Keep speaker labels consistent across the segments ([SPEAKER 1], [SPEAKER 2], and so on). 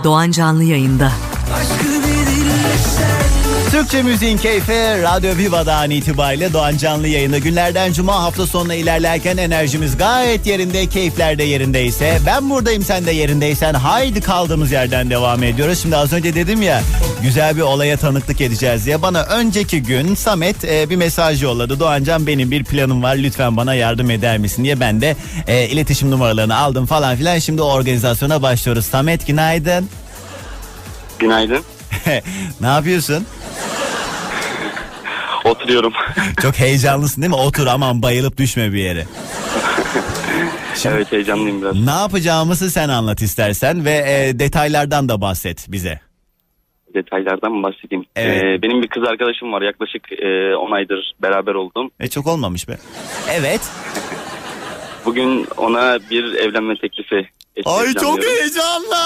[SPEAKER 1] Doğan Canlı yayında.
[SPEAKER 2] Türkçe müziğin keyfi Radyo Viva'dan itibariyle Doğan Canlı yayında. Günlerden cuma, hafta sonuna ilerlerken enerjimiz gayet yerinde, keyifler de yerindeyse, ben buradayım sen de yerindeysen, haydi kaldığımız yerden devam ediyoruz. Şimdi az önce dedim ya, güzel bir olaya tanıklık edeceğiz diye. Bana önceki gün Samet bir mesaj yolladı. Doğancan, benim bir planım var, lütfen bana yardım eder misin diye. Ben de iletişim numaralarını aldım falan filan. Şimdi o organizasyona başlıyoruz. Samet, günaydın.
[SPEAKER 3] Günaydın.
[SPEAKER 2] Ne yapıyorsun?
[SPEAKER 3] Oturuyorum.
[SPEAKER 2] Çok heyecanlısın değil mi? Otur, aman bayılıp düşme bir yere. Şimdi,
[SPEAKER 3] evet, heyecanlıyım biraz.
[SPEAKER 2] Ne yapacağımızı sen anlat istersen ve detaylardan da bahset bize.
[SPEAKER 3] Detaylardan mı bahsedeyim?
[SPEAKER 2] Evet.
[SPEAKER 3] Benim bir kız arkadaşım var. Yaklaşık 10 aydır beraber oldum.
[SPEAKER 2] Çok olmamış be. Evet.
[SPEAKER 3] Bugün ona bir evlenme teklifi etmeyi
[SPEAKER 2] Ay, çok
[SPEAKER 3] planlıyorum.
[SPEAKER 2] heyecanlı.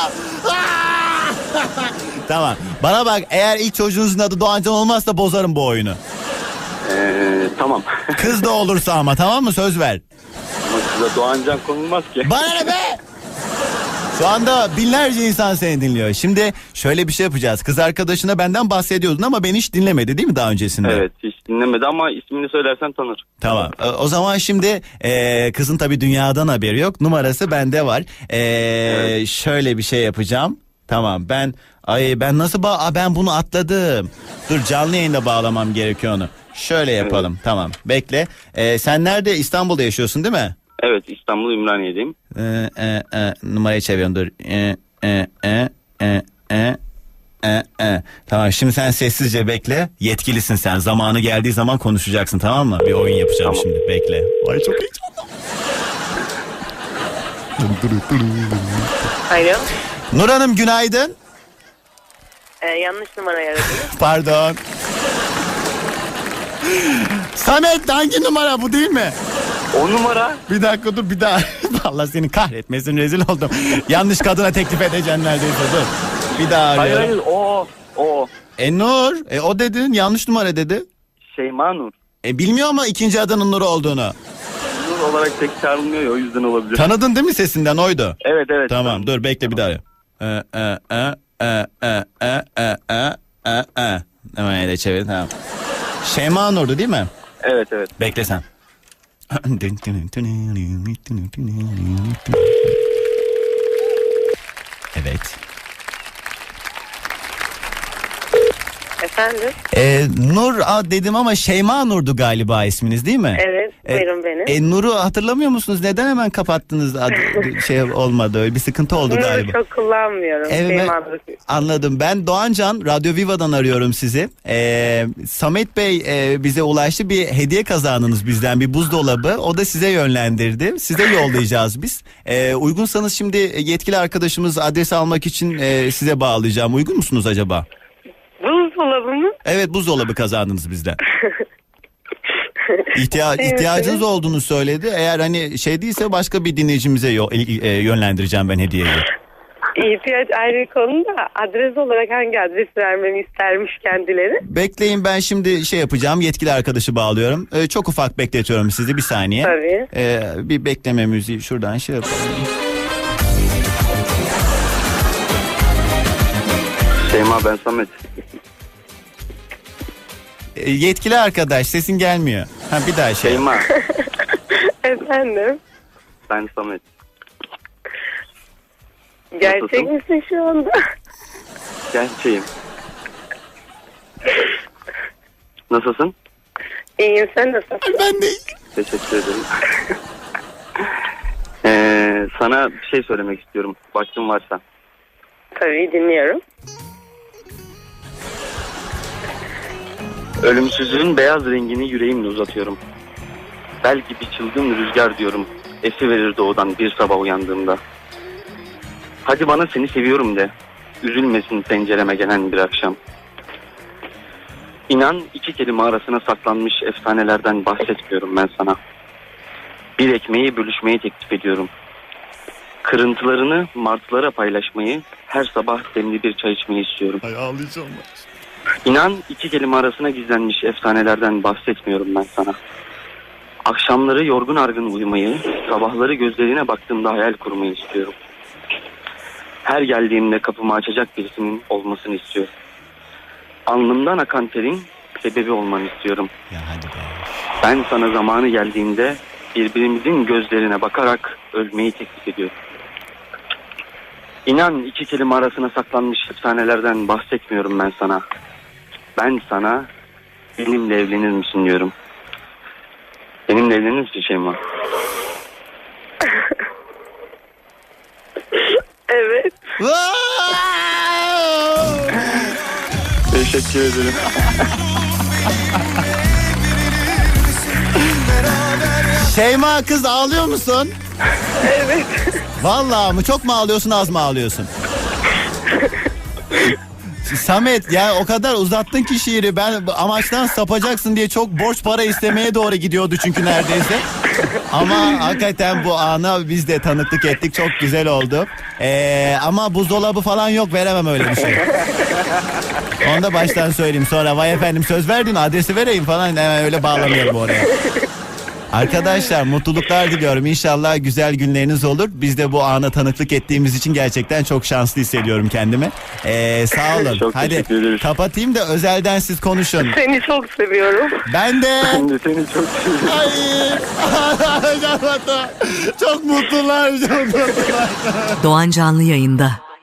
[SPEAKER 2] Tamam. Bana bak, eğer ilk çocuğunuzun adı Doğancan olmazsa bozarım bu oyunu.
[SPEAKER 3] Tamam.
[SPEAKER 2] Kız da olursa ama, tamam mı? Söz ver.
[SPEAKER 3] Ama kıza Doğancan konulmaz ki.
[SPEAKER 2] Bana ne be? Şu anda binlerce insan seni dinliyor. Şimdi şöyle bir şey yapacağız. Kız arkadaşına benden bahsediyordun ama beni hiç dinlemedi değil mi daha öncesinde?
[SPEAKER 3] Evet, hiç dinlemedi ama ismini söylersen tanır.
[SPEAKER 2] Tamam. O zaman şimdi kızın tabii dünyadan haberi yok. Numarası bende var.
[SPEAKER 3] Evet.
[SPEAKER 2] Şöyle bir şey yapacağım. Tamam, ben nasıl ben bunu atladım. Dur, canlı yayında bağlamam gerekiyor onu. Şöyle yapalım. Evet. Tamam. Bekle. Sen nerede? İstanbul'da yaşıyorsun değil mi?
[SPEAKER 3] Evet, İstanbul Ümraniye'deyim.
[SPEAKER 2] Numarayı çeviriyorum, dur. Tamam, şimdi sen sessizce bekle. Yetkilisin sen. Zamanı geldiği zaman konuşacaksın, tamam mı? Bir oyun yapacağım tamam. Şimdi bekle. Ay, çok heyecanlı.
[SPEAKER 4] Alo.
[SPEAKER 2] Nur Hanım, günaydın.
[SPEAKER 4] Yanlış numarayı aradınız.
[SPEAKER 2] Pardon. Samet, hangi numara bu, değil mi?
[SPEAKER 3] O numara.
[SPEAKER 2] Bir dakika, dur bir daha. Allah seni kahretmesin, rezil oldum. Yanlış kadına teklif edeceksin neredeyse, dur. Bir daha arıyorum.
[SPEAKER 3] Hayır, o.
[SPEAKER 2] Nur, o dedin, yanlış numara dedi.
[SPEAKER 3] Şeyma Nur.
[SPEAKER 2] Bilmiyor ama ikinci adının Nur olduğunu.
[SPEAKER 3] Nur olarak tek çağrılmıyor ya, o yüzden olabilir.
[SPEAKER 2] Tanıdın değil mi, sesinden oydu?
[SPEAKER 3] Evet.
[SPEAKER 2] Tamam, dur bekle, bir daha arıyorum. Hemen ele çevir, tamam. Şeyma Nur'du değil mi?
[SPEAKER 3] Evet.
[SPEAKER 2] Bekle sen. Evet.
[SPEAKER 4] Efendim?
[SPEAKER 2] Nur dedim ama Şeyma Nur'du galiba isminiz, değil mi?
[SPEAKER 4] Evet, buyurun benim.
[SPEAKER 2] Nur'u hatırlamıyor musunuz? Neden hemen kapattınız? Şey olmadı, öyle bir sıkıntı oldu galiba.
[SPEAKER 4] Nur'u çok kullanmıyorum.
[SPEAKER 2] Evet, anladım. Ben Doğancan, Radyo Viva'dan arıyorum sizi. Samet Bey bize ulaştı. Bir hediye kazandınız bizden, bir buzdolabı. O da size yönlendirdi. Size yollayacağız biz. Uygunsanız şimdi yetkili arkadaşımız adres almak için size bağlayacağım. Uygun musunuz acaba?
[SPEAKER 4] Buzdolabı mı?
[SPEAKER 2] Evet, buzdolabı kazandınız bizden. İhtiyacınız olduğunu söyledi. Eğer hani şey değilse başka bir dinleyicimize yönlendireceğim ben hediyeyi.
[SPEAKER 4] İhtiyaç ayrı konu da adres olarak hangi adres vermemi istermiş kendileri?
[SPEAKER 2] Bekleyin, ben şimdi şey yapacağım, yetkili arkadaşı bağlıyorum. Çok ufak bekletiyorum sizi, bir saniye.
[SPEAKER 4] Tabii.
[SPEAKER 2] Bir bekleme müziği şuradan şey yapalım.
[SPEAKER 3] Şeyma, ben Samet.
[SPEAKER 2] Yetkili arkadaş, sesin gelmiyor. Bir daha şey.
[SPEAKER 3] Şeyma.
[SPEAKER 4] Efendim?
[SPEAKER 3] Ben Samet.
[SPEAKER 4] Gerçek misin şu anda?
[SPEAKER 3] Gerçeğim. Nasılsın?
[SPEAKER 4] İyiyim, sen nasılsın?
[SPEAKER 2] Ben de.
[SPEAKER 3] Teşekkür ederim. Sana bir şey söylemek istiyorum. Vaktin varsa.
[SPEAKER 4] Tabii, dinliyorum.
[SPEAKER 3] Ölümsüzlüğün beyaz rengini yüreğimle uzatıyorum. Bel gibi çılgın rüzgar diyorum. Esiverir doğudan bir sabah uyandığımda. Hadi bana seni seviyorum de. Üzülmesin pencereme gelen bir akşam. İnan, iki kelime arasına saklanmış efsanelerden bahsetmiyorum ben sana. Bir ekmeği bölüşmeyi teklif ediyorum. Kırıntılarını martılara paylaşmayı, her sabah demli bir çay içmeyi istiyorum.
[SPEAKER 2] Ay, ağlayacağım.
[SPEAKER 3] İnan, iki kelime arasına gizlenmiş efsanelerden bahsetmiyorum ben sana. Akşamları yorgun argın uyumayı, sabahları gözlerine baktığımda hayal kurmayı istiyorum. Her geldiğimde kapımı açacak birisinin olmasını istiyorum. Alnımdan akan terin sebebi olmanı istiyorum.
[SPEAKER 2] Ya hadi be.
[SPEAKER 3] Ben sana zamanı geldiğinde birbirimizin gözlerine bakarak ölmeyi teklif ediyorum. İnan iki kelime arasına saklanmış efsanelerden bahsetmiyorum ben sana. Ben sana benimle evlenir misin diyorum. Benimle evlenir misin Şeyma?
[SPEAKER 4] Evet.
[SPEAKER 3] Teşekkür ederim.
[SPEAKER 2] Şeyma kız ağlıyor musun?
[SPEAKER 4] Evet.
[SPEAKER 2] Vallahi mı? Çok mu ağlıyorsun, az mı ağlıyorsun? Samet ya o kadar uzattın ki şiiri, ben amaçtan sapacaksın diye çok borç para istemeye doğru gidiyordu çünkü neredeyse. Ama hakikaten bu ana biz de tanıklık ettik, çok güzel oldu. Ama buzdolabı falan yok, veremem öyle bir şey. Onu da baştan söyleyeyim, sonra vay efendim söz verdin adresi vereyim falan, hemen öyle bağlamayalım oraya. Arkadaşlar mutluluklar diliyorum. İnşallah güzel günleriniz olur. Biz de bu ana tanıklık ettiğimiz için gerçekten çok şanslı hissediyorum kendimi. Sağ olun.
[SPEAKER 3] Çok
[SPEAKER 2] Hadi
[SPEAKER 3] teşekkür ederiz.
[SPEAKER 2] kapatayım da özelden siz konuşun.
[SPEAKER 4] Seni çok seviyorum.
[SPEAKER 2] Ben de.
[SPEAKER 3] Ben de seni çok seviyorum.
[SPEAKER 2] Ay. Çok mutlular. Çok mutlular.
[SPEAKER 1] Doğan Canlı yayında.